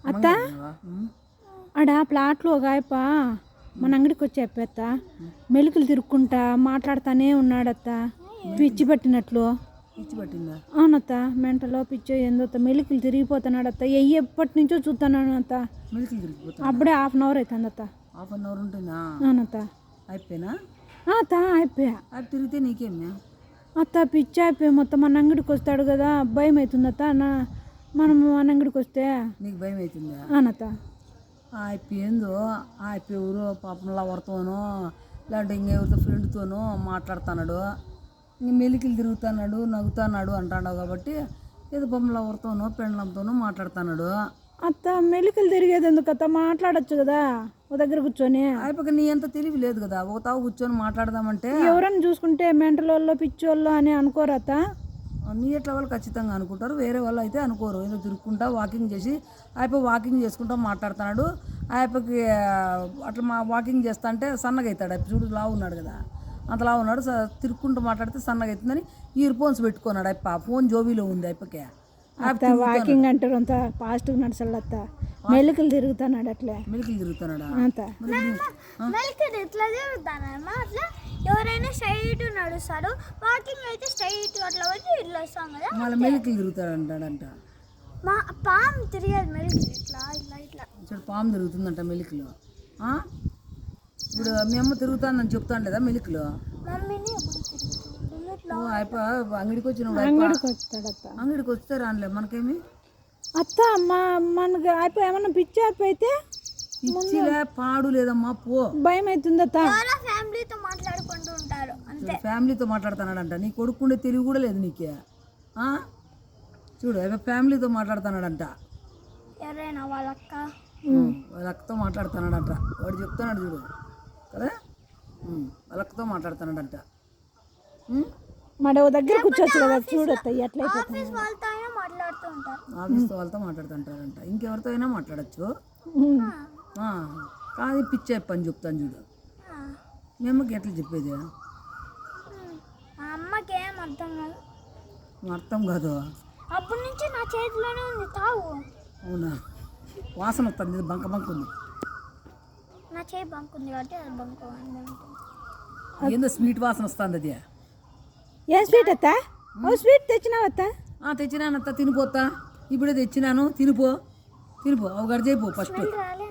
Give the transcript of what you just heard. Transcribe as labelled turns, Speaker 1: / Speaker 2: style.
Speaker 1: అత్త ఆడ ప్లాట్లో ఒక ఆయప్ప మన అంగడికి వచ్చి చెప్పేత్త మెలికలు తిరుక్కుంటా మాట్లాడుతానే ఉన్నాడత్త పిచ్చి పట్టినట్లు.
Speaker 2: పిచ్చి పట్టిందా?
Speaker 1: అవునత్త, మెంటలో పిచ్చో ఏందోత్త మెలికలు తిరిగిపోతున్నాడత్త. ఎప్పటి నుంచో చూస్తున్నాను అత్త.
Speaker 2: మెలికలు తిరిగిపోతా
Speaker 1: అప్పుడే 1/2 అవర్ అవుతుందత్త.
Speaker 2: 1/2 అవర్ ఉంటుందా?
Speaker 1: అవునత్త.
Speaker 2: అయిపోయినా
Speaker 1: అత్త అయిపోయా.
Speaker 2: అది తిరిగితే నీకేమే
Speaker 1: అత్త పిచ్చి అయిపోయి మొత్తం మన అంగడికి వస్తాడు కదా, భయం అవుతుందత్త. మనం మన అంగడికి వస్తే
Speaker 2: నీకు భయం అవుతుందా?
Speaker 1: అవునత్త.
Speaker 2: ఏందో ఎవరో పాపం లవర్తోనో లేదంటే ఇంకెవరితో ఫ్రెండ్తోనో మాట్లాడుతున్నాడు, ఇంక మెలికలు తిరుగుతున్నాడు నవ్వుతున్నాడు అంటాడు కాబట్టి ఏదో పాపం లవర్తోనో పెండ్లంతోనో మాట్లాడుతున్నాడు.
Speaker 1: అత్త మెలికలు తిరిగేది ఎందుకు అత్త, మాట్లాడచ్చు కదా ఓ దగ్గర కూర్చొని.
Speaker 2: అయిపోయి నీ అంత తెలివి లేదు కదా, ఒక తావు కూర్చొని మాట్లాడదామంటే.
Speaker 1: ఎవరైనా చూసుకుంటే మెంటల్ వాళ్ళు పిచ్చోళ్ళు అని అనుకోరత్త.
Speaker 2: నీ ఎట్లా వాళ్ళు ఖచ్చితంగా అనుకుంటారు, వేరే వాళ్ళు అయితే అనుకోరు. ఏదో తిరుక్కుంటా వాకింగ్ చేసి వాకింగ్ చేసుకుంటా మాట్లాడుతున్నాడు. అయిపోయి అట్లా వాకింగ్ చేస్తా అంటే సన్నగా అవుతాడు. చూడు లావు ఉన్నాడు కదా, అంత లావు ఉన్నాడు. తిరుక్కుంటూ మాట్లాడితే సన్నగా అవుతుందని ఇయర్ ఫోన్స్ పెట్టుకున్నాడు. ఫోన్ జోబీలో ఉంది అయిపోయి.
Speaker 1: వాకింగ్ అంటారు అంత ఫాస్ట్గా నడచాలత్త. మెలికలు తిరుగుతున్నాడు అట్లే.
Speaker 2: మెలికలు తిరుగుతున్నాడా?
Speaker 3: మెలికలు ఎట్లా తిరుగుతానమ్మా? అట్లా ఎవరైనా స్ట్రైట్ నడుస్తారు, వాకింగ్ అయితే స్ట్రైట్ అట్లా వచ్చి ఇట్లా వస్తాం కదా.
Speaker 2: మళ్ళీ మెలికలు తిరుగుతాడు అంటాడంట.
Speaker 3: మా పాము తిరిగేది మెలికలు ఇట్లా ఇట్లా ఇట్లా.
Speaker 2: చూడు పాము తిరుగుతుందంట మెలికలు. ఇప్పుడు మీ అమ్మ తిరుగుతుందని చెప్తాను లేదా మెలికలు?
Speaker 3: మమ్మీని
Speaker 2: అంగడికి వచ్చిన
Speaker 1: అంగడికి వస్తాడత్త.
Speaker 2: అంగడికి వస్తే రానులే మనకేమి
Speaker 1: అత్త. మనకి అయిపోయి ఏమన్నా పిచ్చి అయిపోయితే
Speaker 2: పిచ్చిలే పాడు లేదమ్మా, పో.
Speaker 1: భయం అవుతుందత్త.
Speaker 3: ఫ్యామిలీతో మాట్లాడుకుంటూ ఉంటారు అంతే.
Speaker 2: ఫ్యామిలీతో మాట్లాడుతున్నాడంట. నీ కొడుకుండే తెలివి కూడా లేదు నీకే. చూడు ఫ్యామిలీతో మాట్లాడుతున్నాడంట.
Speaker 3: ఎవరైనా వాళ్ళ అక్క
Speaker 2: వాళ్ళ అక్కతో మాట్లాడుతున్నాడంట. వాడు చెప్తున్నాడు చూడు కదా, వాళ్ళ అక్కతో మాట్లాడుతున్నాడంట.
Speaker 1: మన దగ్గర కూర్చోవచ్చు కదా, చూడత్త ఎట్లయిపోతుంది.
Speaker 3: ఆఫీస్ వాళ్ళతో అయినా మాట్లాడుతూ ఉంటారు.
Speaker 2: ఆఫీస్ వాళ్ళతో మాట్లాడుతుంటారంట. ఇంకెవరితో అయినా మాట్లాడచ్చు. కాదు పిచ్చి పని చెప్తాను చూడు. మీ అమ్మకి ఎట్లా చెప్పేది?
Speaker 3: మా అమ్మకి ఏం అర్థం కాదు.
Speaker 2: అర్థం కాదు.
Speaker 3: అప్పటి నుంచి నా చేతిలోనే ఉంది తావు.
Speaker 2: అవునా? వాసన వస్తుంది, బంక బంక ఉంది.
Speaker 3: నా చేయి బంకుంది కాబట్టి అది బంక
Speaker 2: ఏందో స్వీట్ వాసన వస్తుంది. అది
Speaker 1: ఏం స్వీట్ అత్త? ఓ స్వీట్ తెచ్చినావత్త?
Speaker 2: తెచ్చినానత్త, తినిపోతా. ఇప్పుడే తెచ్చినాను, తినిపో. ఒక గడి చేయిపో ఫస్ట్.